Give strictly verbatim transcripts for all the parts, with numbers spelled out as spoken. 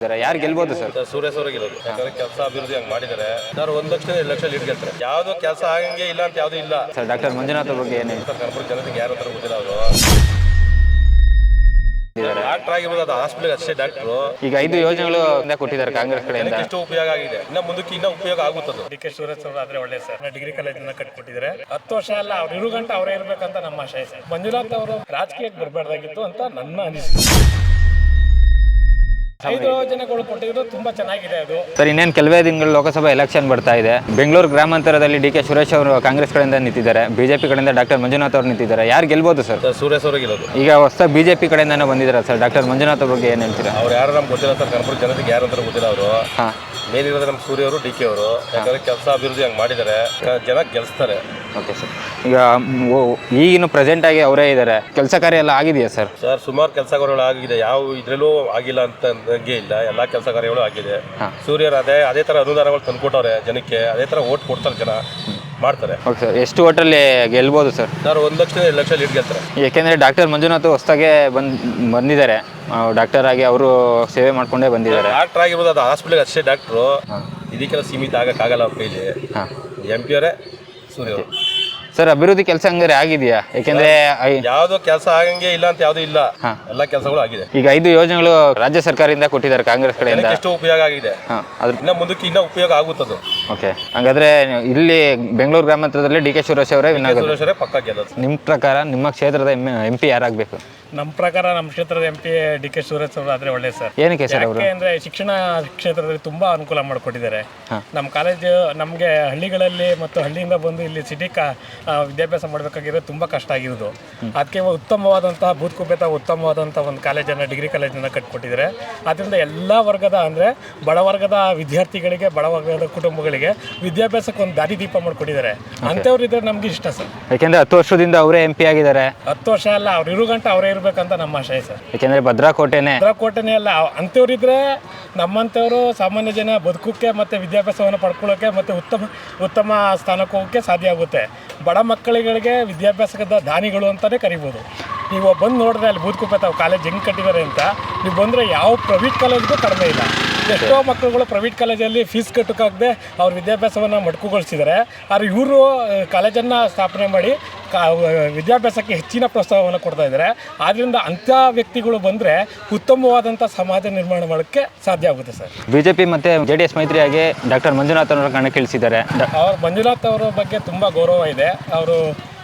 ಯಾರು ಗೆಲ್ಬೋದು ಸರ್? ಸೂರ್ಯ ಸರ್ ಗೆಲ್ಲೋದು. ಯಾಕಂದ್ರೆ ಕೆಲಸ ಅಭಿವೃದ್ಧಿ ಹಂಗೆ ಮಾಡಿದ್ದಾರೆ ಸರ್. ಒಂದ್ ಲಕ್ಷ ಎರಡು ಲಕ್ಷ ಲೀಡ್ ಗೆಲ್ತಾರೆ. ಯಾವ್ದು ಕೆಲಸ ಆಗಂಗೆ ಇಲ್ಲ ಅಂತ ಯಾವ್ದು ಇಲ್ಲ ಸರ್. ಡಾಕ್ಟರ್ ಮಂಜುನಾಥ್ ಬಗ್ಗೆ ಏನು ಸರ್? ಕರ್ನಾಟಕ ಜನತೆಗೆ ಯಾರು ತರ ಗೊತ್ತಿಲ್ಲ ಅವರು. ಡಾಕ್ಟರ್ ಆಗಿರ್ಬೋದು, ಅದು ಹಾಸ್ಪಿಟಲ್ ಅಷ್ಟೇ ಡಾಕ್ಟ್ರು. ಈಗ ಐದು ಯೋಜನೆಗಳು ಕೊಟ್ಟಿದ್ದಾರೆ ಕಾಂಗ್ರೆಸ್ ಕಡೆಯಿಂದ. ಎಷ್ಟು ಉಪಯೋಗ ಆಗಿದೆ, ಇನ್ನ ಮುಂದಕ್ಕೆ ಇನ್ನ ಉಪಯೋಗ ಆಗುತ್ತದೆ. ಡಿ ಕೆ ಶಿವರಾಜ್ ಅವರು ಆದ್ರೆ ಒಳ್ಳೆ ಸರ್. ಡಿಗ್ರಿ ಕಾಲೇಜನ್ನ ಕಟ್ಕೊಟ್ಟಿದ್ದಾರೆ. ಹತ್ತು ವರ್ಷ ಅಲ್ಲ, ಅವ್ರು ಇರು ಗಂಟೆ ಅವರೇ ಇರ್ಬೇಕಂತ ನಮ್ಮ ಆಶಯ ಸರ್. ಮಂಜುನಾಥ್ ಅವರು ರಾಜಕೀಯಕ್ಕೆ ಬರಬಾರ್ದಾಗಿತ್ತು ಅಂತ ನನ್ನ ಅನಿಸಿಕೆ. ಐದು ಯೋಜನೆಗಳು ಕೊಟ್ಟಿದ್ರು, ತುಂಬಾ ಚೆನ್ನಾಗಿದೆ ಅದು ಸರ್. ಇನ್ನೇನು ಕೆಲವೇ ದಿನಗಳು ಲೋಕಸಭಾ ಎಲೆಕ್ಷನ್ ಬರ್ತಾ ಇದೆ. ಬೆಂಗಳೂರು ಗ್ರಾಮಾಂತರದಲ್ಲಿ ಡಿ ಕೆ ಸುರೇಶ್ ಅವರು ಕಾಂಗ್ರೆಸ್ ಕಡೆಯಿಂದ ನಿಂತಿದ್ದಾರೆ, ಬಿಜೆಪಿ ಕಡೆಯಿಂದ ಡಾಕ್ಟರ್ ಮಂಜುನಾಥ್ ಅವರು ನಿಂತಿದ್ದಾರೆ. ಯಾರು ಗೆಲ್ಬೋದು ಸರ್? ಸೂರ್ಯ ಸರ್ ಗೆಲ್ಲೋದು. ಈಗ ಹೊಸ ಬಿಜೆಪಿ ಕಡೆಯಿಂದಾನು ಬಂದಿದ್ದಾರೆ ಸರ್. ಡಾಕ್ಟರ್ ಮಂಜುನಾಥ್ ಬಗ್ಗೆ ಏನು ಹೇಳ್ತೀರಾ? ಅವ್ರು ಯಾರು ನಮ್ಗೆ ಗೊತ್ತಿಲ್ಲ ಸರ್. ಕರ್ನಾಟಕ ಜನತೆಗೆ ಯಾರು ಅಂತ ಗೊತ್ತಿಲ್ಲ ಅವರು. ಹಾಂ, ಮೇನ್ ಇರೋದು ನಮ್ಮ ಸೂರ್ಯ ಅವರು, ಡಿ ಕೆ ಅವರು. ಯಾಕಂದ್ರೆ ಕೆಲಸ ಅಭಿವೃದ್ಧಿ ಹಂಗೆ ಮಾಡಿದ್ದಾರೆ, ಜನ ಗೆಲ್ಸ್ತಾರೆ. Okay sir. ಈಗ ಈಗಿನ ಪ್ರೆಸೆಂಟ್ ಆಗಿ ಅವರೇ ಇದ್ದಾರೆ. ಕೆಲಸ ಕಾರ್ಯ ಎಲ್ಲ ಆಗಿದೆಯಾ ಸರ್? ಸರ್, ಸುಮಾರು ಕೆಲಸ ಕಾರ್ಯಗಳು ಆಗಿದೆ. ಯಾವ ಇದ್ರಲ್ಲೂ ಆಗಿಲ್ಲ ಅಂತ ಅಂದಂಗೆ ಇಲ್ಲ. ಎಲ್ಲ ಕೆಲಸ ಕಾರ್ಯಗಳು ಆಗಿದೆ. ಸೂರ್ಯರು ಅದೇ ಅದೇ ತರ ಅನುದಾನಗಳು ತಂದ್ಕೊಟ್ಟವ್ರೆ ಜನಕ್ಕೆ. ಅದೇ ತರ ಓಟ್ ಕೊಡ್ತಾರೆ, ಜನ ಮಾಡ್ತಾರೆ. Okay sir. ಎಷ್ಟು ಓಟಲ್ಲಿ ಗೆಲ್ಬೋದು ಸರ್? ಸರ್, ಒಂದ್ ಲಕ್ಷ ಎರಡು ಲಕ್ಷ ಲೀಡ್ ಗೆಲ್ತಾರೆ. ಯಾಕೆಂದರೆ ಡಾಕ್ಟರ್ ಮಂಜುನಾಥ್ ಹೊಸದಾಗೆ ಬಂದು ಬಂದಿದ್ದಾರೆ. ಡಾಕ್ಟರ್ ಆಗಿ ಅವರು ಸೇವೆ ಮಾಡ್ಕೊಂಡೇ ಬಂದಿದ್ದಾರೆ. ಡಾಕ್ಟರ್ ಆಗಿರ್ಬೋದು, ಅದು ಹಾಸ್ಪಿಟಲ್ ಅಷ್ಟೇ ಡಾಕ್ಟ್ರು. ಇದಕ್ಕೆಲ್ಲ ಸೀಮಿತ ಆಗಕ್ಕಾಗಲ್ಲ ಅವ್ರ ಕೈಲಿ. ಹಾಂ, ಎಂ ಪಿ ಅವರೇ ಸೂರ್ಯ ಅವರು. ಸರ್, ಅಭಿವೃದ್ಧಿ ಕೆಲಸ ಹಂಗಾರೆ ಆಗಿದೆಯಾ? ಯಾಕೆಂದ್ರೆ ಯಾವ್ದು ಕೆಲಸ ಆಗಂಗೆ ಇಲ್ಲ ಅಂತ ಯಾವ್ದು ಇಲ್ಲ. ಎಲ್ಲ ಕೆಲಸಗಳು ಆಗಿದೆ. ಈಗ ಐದು ಯೋಜನೆಗಳು ರಾಜ್ಯ ಸರ್ಕಾರದಿಂದ ಕೊಟ್ಟಿದ್ದಾರೆ ಕಾಂಗ್ರೆಸ್ ಕಡೆಯಿಂದ. ಎಷ್ಟು ಉಪಯೋಗ ಆಗಿದೆ, ಇನ್ನ ಮುಂದಕ್ಕೆ ಇನ್ನ ಉಪಯೋಗ ಆಗುತ್ತದೆ. ಓಕೆ, ಹಂಗಾದ್ರೆ ಇಲ್ಲಿ ಬೆಂಗಳೂರು ಗ್ರಾಮಾಂತರದಲ್ಲಿ ಡಿ ಕೆ ಸುರೇಶ್ ಅವರೇ ಸುರೇಶ್ ಪಕ್ಕ ಗೆಲ್ಲೋದು. ನಿಮ್ಮ ಪ್ರಕಾರ ನಿಮ್ಮ ಕ್ಷೇತ್ರದ ಎಂ ಪಿ ಯಾರಾಗಬೇಕು? ನಮ್ಮ ಪ್ರಕಾರ ನಮ್ಮ ಕ್ಷೇತ್ರದ M P D K Shivraj ಅವರು ಆದ್ರೆ ಒಳ್ಳೆ ಸರ್. ಏನಕ್ಕೆ ಸರ್? ಅವರು ಅಂದ್ರೆ ಶಿಕ್ಷಣ ಕ್ಷೇತ್ರದಲ್ಲಿ ತುಂಬಾ ಅನುಕೂಲ ಮಾಡಿಕೊಟ್ಟಿದ್ದಾರೆ. ನಮ್ಮ ಕಾಲೇಜು ನಮಗೆ ಹಳ್ಳಿಗಳಲ್ಲಿ ಮತ್ತು ಹಳ್ಳಿಯಿಂದ ಬಂದು ಇಲ್ಲಿ ಸಿಟಿ ಕಾ ವಿದ್ಯಾಭ್ಯಾಸ ಮಾಡಬೇಕಾಗಿರೋದು ತುಂಬ ಕಷ್ಟ ಆಗಿರೋದು. ಅದಕ್ಕೆ ಉತ್ತಮವಾದಂತಹ ಭೂತಕುಪೇತ ಉತ್ತಮವಾದಂಥ ಒಂದು ಕಾಲೇಜನ್ನು ಡಿಗ್ರಿ ಕಾಲೇಜನ್ನು ಕಟ್ಕೊಟ್ಟಿದ್ದಾರೆ. ಅದರಿಂದ ಎಲ್ಲ ವರ್ಗದ ಅಂದರೆ ಬಡವರ್ಗದ ವಿದ್ಯಾರ್ಥಿಗಳಿಗೆ, ಬಡವರ್ಗದ ಕುಟುಂಬಗಳಿಗೆ ವಿದ್ಯಾಭ್ಯಾಸಕ್ಕೆ ಒಂದು ದಾರಿ ದೀಪ ಮಾಡಿಕೊಟ್ಟಿದ್ದಾರೆ. ಅಂಥವ್ರು ಇದ್ರೆ ನಮ್ಗೆ ಇಷ್ಟ ಸರ್. ಯಾಕೆಂದರೆ ಹತ್ತು ವರ್ಷದಿಂದ ಅವರೇ ಎಂ ಪಿ ಆಗಿದ್ದಾರೆ. ಹತ್ತು ವರ್ಷ ಅಲ್ಲ, ಅವ್ರು ಇರು ಗಂಟೆ ಅವರೇ ಇರ್ಬೇಕಂತ ನಮ್ಮ ಆಶಯ ಸರ್. ಯಾಕೆಂದರೆ ಭದ್ರಾಕೋಟೆನೇ ಭದ್ರಾಕೋಟೆನೇ ಅಲ್ಲ, ಅಂಥವ್ರಿದ್ರೆ ನಮ್ಮಂಥವ್ರು ಸಾಮಾನ್ಯ ಜನ ಬದುಕೋಕ್ಕೆ ಮತ್ತು ವಿದ್ಯಾಭ್ಯಾಸವನ್ನು ಪಡ್ಕೊಳ್ಳೋಕ್ಕೆ ಮತ್ತು ಉತ್ತಮ ಉತ್ತಮ ಸ್ಥಾನಕ್ಕೆ ಹೋಗೋಕ್ಕೆ ಸಾಧ್ಯ ಆಗುತ್ತೆ. ಬಡ ಮಕ್ಕಳಿಗಳಿಗೆ ವಿದ್ಯಾಭ್ಯಾಸದ ದಾನಿಗಳು ಅಂತಲೇ ಕರಿಬೋದು. ನೀವು ಬಂದು ನೋಡಿದ್ರೆ ಅಲ್ಲಿ ಬೂದ್ಕುಪೇತ ಕಾಲೇಜ್ ಹೆಂಗೆ ಕಟ್ಟಿದ್ದಾರೆ ಅಂತ, ನೀವು ಬಂದರೆ ಯಾವ ಪ್ರೈವೇಟ್ ಕಾಲೇಜ್ಗೂ ಕಡಿಮೆ ಇಲ್ಲ. ಎಷ್ಟೋ ಮಕ್ಕಳುಗಳು ಪ್ರೈವೇಟ್ ಕಾಲೇಜಲ್ಲಿ ಫೀಸ್ ಕಟ್ಟೋಕ್ಕಾಗದೆ ಅವ್ರ ವಿದ್ಯಾಭ್ಯಾಸವನ್ನು ಮಡ್ಕುಗೊಳಿಸಿದ್ದಾರೆ. ಆದರೆ ಇವರು ಕಾಲೇಜನ್ನು ಸ್ಥಾಪನೆ ಮಾಡಿ ಕಾ ವಿದ್ಯಾಭ್ಯಾಸಕ್ಕೆ ಹೆಚ್ಚಿನ ಪ್ರೋತ್ಸಾಹವನ್ನು ಕೊಡ್ತಾ ಇದ್ದಾರೆ. ಆದ್ದರಿಂದ ಅಂಥ ವ್ಯಕ್ತಿಗಳು ಬಂದರೆ ಉತ್ತಮವಾದಂಥ ಸಮಾಜ ನಿರ್ಮಾಣ ಮಾಡೋಕ್ಕೆ ಸಾಧ್ಯ ಆಗುತ್ತೆ ಸರ್. ಬಿ ಜೆ ಪಿ ಮತ್ತು ಜೆ ಡಿ ಎಸ್ ಮೈತ್ರಿಯಾಗಿ ಡಾಕ್ಟರ್ ಮಂಜುನಾಥ್ ಅವರ ಕಣಕ್ಕಿಳಿಸಿದ್ದಾರೆ. ಅವ್ರ ಮಂಜುನಾಥ್ ಅವರ ಬಗ್ಗೆ ತುಂಬ ಗೌರವ ಇದೆ. ಅವರು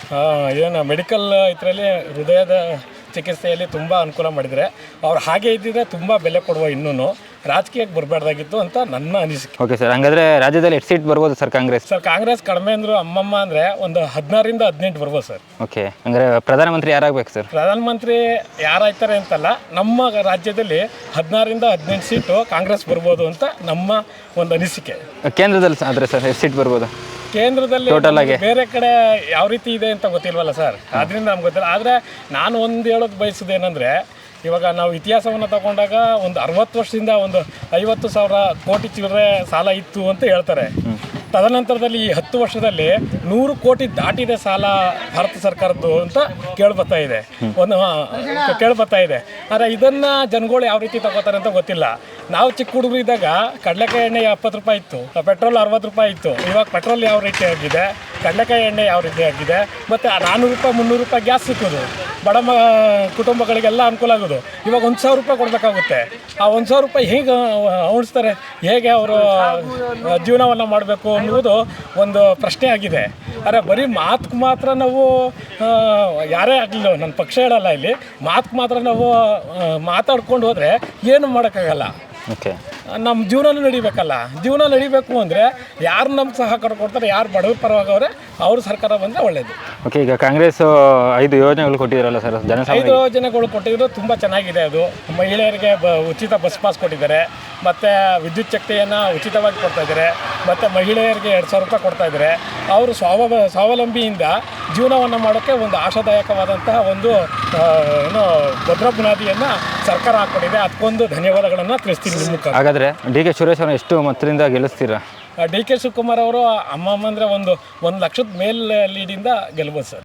ಏನು ಮೆಡಿಕಲ್ ಇದರಲ್ಲಿ ಹೃದಯದ ಚಿಕಿತ್ಸೆಯಲ್ಲಿ ತುಂಬ ಅನುಕೂಲ ಮಾಡಿದರೆ ಅವ್ರು ಹಾಗೆ ಇದ್ದಿದ್ರೆ ತುಂಬ ಬೆಲೆ ಕೊಡುವ. ಇನ್ನೂ ರಾಜಕೀಯಕ್ಕೆ ಬರಬಾರ್ದಾಗಿತ್ತು ಅಂತ ನನ್ನ ಅನಿಸಿಕೆ. Okay sir. ಹಂಗಾದ್ರೆ ರಾಜ್ಯದಲ್ಲಿ ಎಷ್ಟು ಸೀಟ್ ಬರ್ಬೋದು ಸರ್ ಕಾಂಗ್ರೆಸ್? ಸರ್, ಕಾಂಗ್ರೆಸ್ ಕಡಿಮೆ ಅಂದರು ಅಮ್ಮಮ್ಮ ಅಂದರೆ ಒಂದು ಹದಿನಾರರಿಂದ ಹದಿನೆಂಟು ಬರ್ಬೋದು ಸರ್. ಓಕೆ, ಹಂಗಾರೆ ಪ್ರಧಾನಮಂತ್ರಿ ಯಾರಾಗಬೇಕು ಸರ್? ಪ್ರಧಾನಮಂತ್ರಿ ಯಾರಾಯ್ತಾರೆ ಅಂತಲ್ಲ, ನಮ್ಮ ರಾಜ್ಯದಲ್ಲಿ ಹದಿನಾರರಿಂದ ಹದಿನೆಂಟು ಸೀಟು ಕಾಂಗ್ರೆಸ್ ಬರ್ಬೋದು ಅಂತ ನಮ್ಮ ಒಂದು ಅನಿಸಿಕೆ. ಕೇಂದ್ರದಲ್ಲಿ ಆದರೆ ಸರ್ ಎಷ್ಟು ಸೀಟ್ ಬರ್ಬೋದು? ಕೇಂದ್ರದಲ್ಲಿ ಟೋಟಲ್ ಆಗಿ ಬೇರೆ ಕಡೆ ಯಾವ ರೀತಿ ಇದೆ ಅಂತ ಗೊತ್ತಿಲ್ವಲ್ಲ ಸರ್. ಅದರಿಂದ ನಮ್ಗೆ ಗೊತ್ತಿಲ್ಲ. ಆದರೆ ನಾನು ಒಂದು ಹೇಳೋದು ಬಯಸೋದೇನೆಂದರೆ, ಇವಾಗ ನಾವು ಇತಿಹಾಸವನ್ನು ತಗೊಂಡಾಗ ಒಂದು ಅರವತ್ತು ವರ್ಷದಿಂದ ಒಂದು ಐವತ್ತು ಸಾವಿರ ಕೋಟಿ ಚಿಲ್ಲರೆ ಸಾಲ ಇತ್ತು ಅಂತ ಹೇಳ್ತಾರೆ. ತದನಂತರದಲ್ಲಿ ಈ ಹತ್ತು ವರ್ಷದಲ್ಲಿ ನೂರು ಕೋಟಿ ದಾಟಿದೆ ಸಾಲ ಭಾರತ ಸರ್ಕಾರದ್ದು ಅಂತ ಕೇಳ್ಬರ್ತಾ ಇದೆ ಒಂದು ಕೇಳ್ಬರ್ತಾ ಇದೆ ಆದರೆ ಇದನ್ನು ಜನಗಳು ಯಾವ ರೀತಿ ತಗೋತಾರೆ ಅಂತ ಗೊತ್ತಿಲ್ಲ. ನಾವು ಚಿಕ್ಕ ಹುಡುಗರು ಇದ್ದಾಗ ಕಡಲೆಕಾಯಿ ಎಣ್ಣೆ ಎಪ್ಪತ್ತು ರೂಪಾಯಿ ಇತ್ತು, ಪೆಟ್ರೋಲ್ ಅರವತ್ತು ರೂಪಾಯಿ ಇತ್ತು. ಇವಾಗ ಪೆಟ್ರೋಲ್ ಯಾವ ರೀತಿ ಆಗಿದೆ, ಕಡಲೆಕಾಯಿ ಎಣ್ಣೆ ಯಾವ ರೀತಿ ಆಗಿದೆ, ಮತ್ತು ನಾನ್ನೂರು ರೂಪಾಯಿ ಮುನ್ನೂರು ರೂಪಾಯಿ ಗ್ಯಾಸ್ ಸಿಕ್ಕೋದು ಬಡ ಮ ಕುಟುಂಬಗಳಿಗೆಲ್ಲ ಅನುಕೂಲ ಆಗೋದು. ಇವಾಗ ಒಂದು ಸಾವಿರ ರೂಪಾಯಿ ಕೊಡಬೇಕಾಗುತ್ತೆ. ಆ ಒಂದು ಸಾವಿರ ರೂಪಾಯಿ ಹೇಗೆ ಉಣಿಸ್ತಾರೆ, ಹೇಗೆ ಅವರು ಜೀವನವನ್ನು ಮಾಡಬೇಕು ಅನ್ನುವುದು ಒಂದು ಪ್ರಶ್ನೆ ಆಗಿದೆ. ಆದರೆ ಬರೀ ಮಾತು ಮಾತ್ರ ನಾವು ಯಾರೇ ಆಗಲಿಲ್ಲ, ನನ್ನ ಪಕ್ಷ ಹೇಳಲ್ಲ, ಇಲ್ಲಿ ಮಾತು ಮಾತ್ರ ನಾವು ಮಾತಾಡ್ಕೊಂಡು ಹೋದರೆ ಏನು ಮಾಡೋಕ್ಕಾಗಲ್ಲ. ಓಕೆ, ನಮ್ಮ ಜೀವನ ನಡಿಬೇಕಲ್ಲ. ಜೀವನ ನಡಿಬೇಕು ಅಂದರೆ ಯಾರು ನಮ್ಗೆ ಸಹಕಾರ ಕೊಡ್ತಾರೆ, ಯಾರು ಬಡವ್ರ ಪರವಾಗವ್ರೆ ಅವರು ಸರ್ಕಾರ ಬಂದರೆ ಒಳ್ಳೆಯದು. ಓಕೆ, ಈಗ ಕಾಂಗ್ರೆಸ್ ಐದು ಯೋಜನೆಗಳು ಕೊಟ್ಟಿದ್ದಾರಲ್ಲ ಸರ್, ಜನಸಾಮಾನ್ಯ ಐದು ಯೋಜನೆಗಳು ಕೊಟ್ಟಿದ್ರು ತುಂಬ ಚೆನ್ನಾಗಿದೆ. ಅದು ಮಹಿಳೆಯರಿಗೆ ಬ ಉಚಿತ ಬಸ್ ಪಾಸ್ ಕೊಟ್ಟಿದ್ದಾರೆ, ಮತ್ತು ವಿದ್ಯುತ್ ಶಕ್ತಿಯನ್ನು ಉಚಿತವಾಗಿ ಕೊಡ್ತಾಯಿದ್ದಾರೆ, ಮತ್ತು ಮಹಿಳೆಯರಿಗೆ ಎರಡು ಸಾವಿರ ರೂಪಾಯಿ ಕೊಡ್ತಾಯಿದ್ದಾರೆ. ಅವರು ಸ್ವಾವ ಸ್ವಾವಲಂಬಿಯಿಂದ ಜೀವನವನ್ನು ಮಾಡೋಕ್ಕೆ ಒಂದು ಆಶಾದಾಯಕವಾದಂತಹ ಒಂದು ಏನು ಭದ್ರ ಬುನಾದಿಯನ್ನು ಸರ್ಕಾರ ಹಾಕ್ಕೊಟ್ಟಿದೆ. ಅದಕ್ಕೊಂದು ಧನ್ಯವಾದಗಳನ್ನು ತಿಳಿಸ್ತೀನಿ ನಿಮ್ಮ ಮುಖ. ಹಾಗಾದರೆ ಡಿ ಕೆ ಸುರೇಶ್ ಅವರನ್ನು ಎಷ್ಟು ಮತದಿಂದ ಗೆಲ್ಲಿಸ್ತೀರಾ? ಡಿ ಕೆ ಶಿವಕುಮಾರ್ ಅವರು ಅಮ್ಮಮ್ಮ ಅಂದರೆ ಒಂದು ಒಂದು ಲಕ್ಷದ ಮೇಲ್ ಲೀಡಿಂದ ಗೆಲ್ಬೋದು ಸರ್.